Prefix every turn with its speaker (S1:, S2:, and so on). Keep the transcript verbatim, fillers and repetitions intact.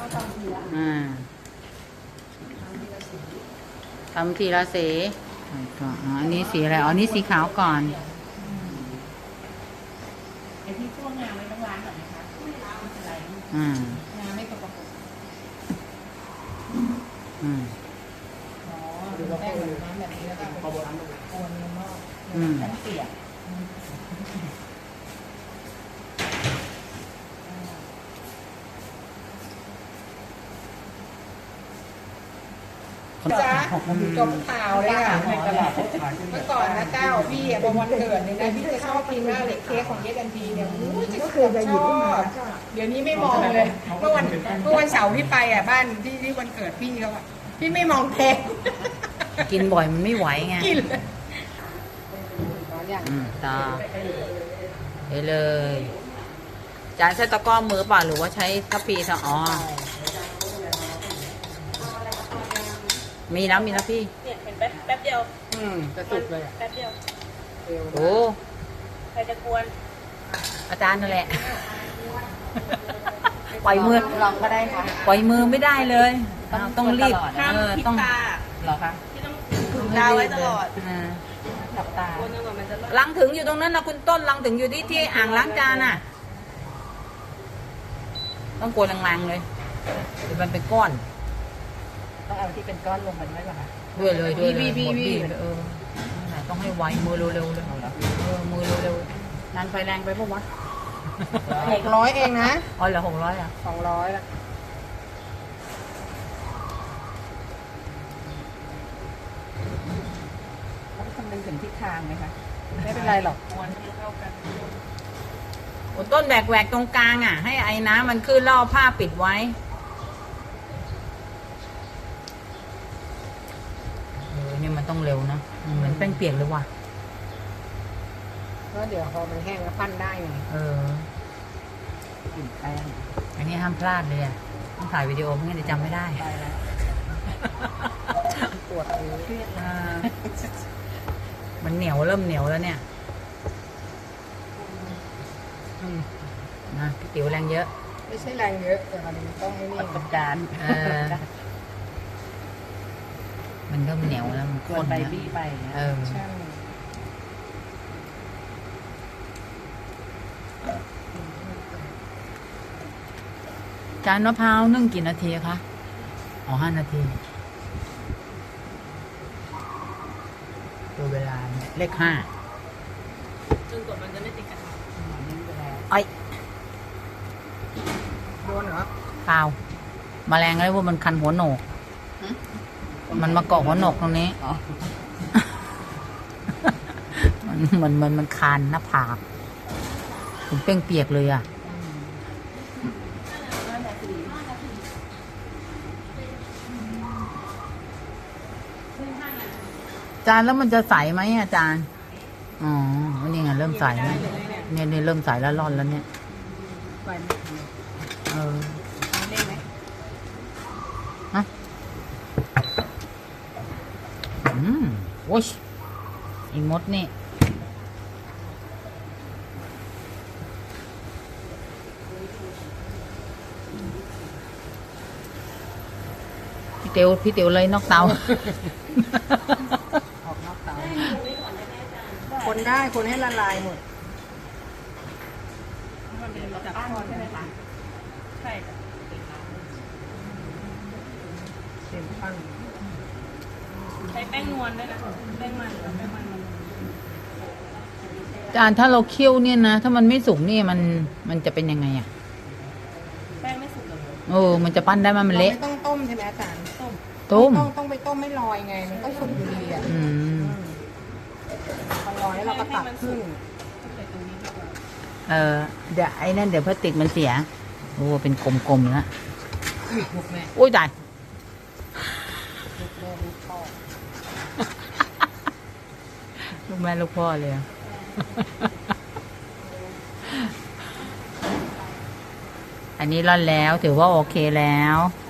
S1: อ่าทำทีละสีก็อันนี้สีอะไรอ๋อนี่สีขาวก่อน
S2: ไอ้ที่พวกงานไม่ต้องล้างก่อนนะคะไม่ล้างไม่เป็นไรงานไม่ประกบ
S1: อืม
S2: อ๋อดูแป้งแบบน้ำแบบนี้แล้วก็โคนโคนในหม้อน้ำเปียกจ้าจบข่าวเลยค่ะเมื่อก่อนนะเจ้าพี่พอวันเกิดเนี่ยนะพี่จะชอบกินมากเลยเค้กของเยสันทีเนี่ยจะชอบเดี๋ยวนี้ไม่มองเลยเมื่อวันเมื่อวันเสาร์ที่ไปอ่ะบ้านที่ที่วันเกิดพี่เขาอ่ะพี่ไม่มองเค้ก
S1: กินบ่อยมันไม่ไหวไง
S2: กินเลย
S1: ต่อไปเลยจานใช้ตะกร้อมือเปล่าหรือว่าใช้ทัพพีทอ๋อมีแล้วมีแล้วพี่
S3: เนี่ยเห็นแป๊บแป๊บเดียว
S2: อืมจะสุกเลย
S3: แป๊บเดียว
S1: โอ้
S3: ใครจะกวน
S1: อาจารย์นั่นแหละปล่อยมือ
S2: ลองก็ได้ค่ะ
S1: ปล่อยมือไม่ได้เลยต้องรีบ
S3: ห้ามพิษตา
S1: เหรอคะ
S3: ที่ต้องถึงตาไว้ตลอด
S2: หลับตา
S1: ลังถึงอยู่ตรงนั้นนะคุณต้นลังถึงอยู่ที่ที่อ่างล้างจานน่ะต้องกวนแรงๆเลยเดี๋ยวมันเป็นก้อน
S2: ต้องเอาที่เป็นก้อนลงมันไว้ป่ะคะ
S1: ด้วยเลยด้วยเลยหมดบีเออต้องให้ไวมือเร็วๆเลยเออมือเร็วๆนานไฟแรงไปปะวะ
S2: หกร้อยเองนะ
S1: อ๋อเหรอหกร้อยอ่ะ
S2: สองร้อยละต้องคำนึงถึงทิศทางไหมคะไม่เป็นไรหรอกม้วนให้เข้ากัน
S1: ต้นแบกแหวกตรงกลางอ่ะให้ไอ้น้ำมันขึ้นล่อผ้าปิดไว้นี่มันต้องเร็วนะเหมือนแป้งเปียกเลยว่ะ
S2: เพราะเดี๋ยวพอมันแห้งแล้วปั้นได้ไง
S1: เออกลิ่นแป้งอันนี้ห้ามพลาดเลยอ่ะต้องถ่ายวิดีโอไม่งั้นเดี๋ยวจำไม่ได้
S2: ปวดมือเครียด
S1: มันเหนียวเริ่มเหนียวแล้วเนี่ยนะพี่ติ๋วแรงเยอะ
S2: ไม่ใช่แรงเยอะแต่มันต้องไม่นี่ประการ
S1: มันเริ่มเหนียวแล้วมันข้น
S2: ไป
S1: นะ
S2: บี้ไป
S1: เออจานมะพร้าวนึ่งกี่นาทีคะอ๋อห้านาทีดูเวลาเลขห้า
S3: จนกว่ามันจะไม่ติดกัน
S1: ไอ้
S2: โดนเหรอ
S1: เปล่าแมลงอะไรพวกมันคันหัวโหนกมันมาเกาะหัวหนกตรงนี้มันมันมันมันคานหน้าผากผมเป้งเปียกเลยอ่ะจานแล้วมันจะใสไหมอาจารย์อ๋อนี่ไงเริ่มใสแล้วเนี่ยเนี่ยเริ่มใสแล้วร่อนแล้วเนี่ยเออฮะอืมโอ้ยอีมดนี่พี่เตียวพี่เตียวเลยนอกเตา
S2: ออกนอกเตาคนได้คนให้ละลายหมด
S3: มันเป็นจับก้อนใช่ไหมคะใช่
S2: เต็มปั้ง
S3: ใช้แป้งนวลด้วยนะแป้งมันแป้งมันมัน
S1: จานถ้าเราเคี่ยวเนี่ยนะถ้ามันไม่สุกนี่มันมันจะเป็นยังไงอ่ะ
S3: แป้งไม่สุกเลย
S1: โอ้มันจะปั้นได้มันเละ
S2: ไม่ต้องต้มใช่ไหมอาจารย์ต้ม
S1: ต้ม
S2: ต้องต้องไปต้มไม่ลอยไงมันก็สุกอยู่ดีอ่ะ
S1: อืม
S2: พอลอยแล้วเราก็ตัดขึ้น
S1: เออเดี๋ยวไอ้นั่นเดี๋ยวพลาสติกมันเสียโอ้เป็นกลมๆแล้วโอ้ยตายลูกแม่ลูกพ่อเลยอันนี้ร่อนแล้วถือว่าโอเคแล้ว